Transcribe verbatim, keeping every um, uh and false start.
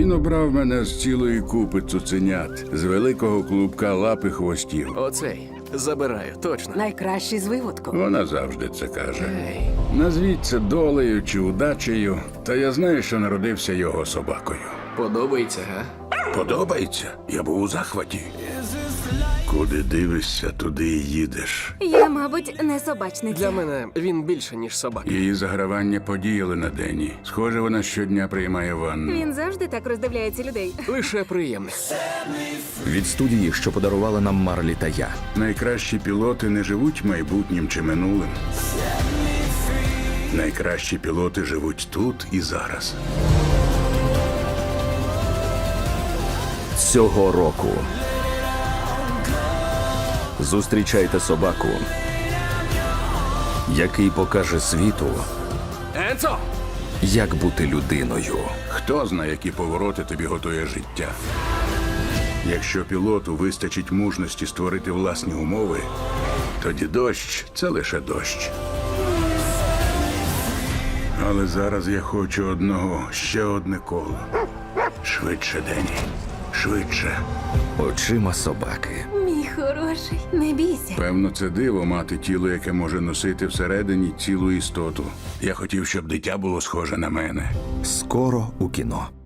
Він обрав мене з цілої купи цуценят, з великого клубка лап і хвостів. Оцей. Забираю, точно. Найкращий з виводку. Вона завжди це каже. Ей. Назвіть це долею чи удачею, та я знаю, що народився його собакою. Подобається, га? Подобається? Я був у захваті. Куди дивишся, туди і їдеш. Я, мабуть, не собачниця. Для мене він більше, ніж собака. Її загравання подіяли на Дені. Схоже, вона щодня приймає ванну. Він завжди так роздивляється людей. Лише приємне. Від студії, що подарувала нам Марлі та я. Найкращі пілоти не живуть майбутнім чи минулим. Найкращі пілоти живуть тут і зараз. Цього року зустрічайте собаку, який покаже світу, Енцо! як бути людиною. Хто знає, які повороти тобі готує життя. Якщо пілоту вистачить мужності створити власні умови, тоді дощ – це лише дощ. Але зараз я хочу одного, ще одне коло. Швидше, Дені, швидше. Очима собаки. Мій хороший, не бійся. Певно, це диво мати тіло, яке може носити всередині цілу істоту. Я хотів, щоб дитя було схоже на мене. Скоро у кіно.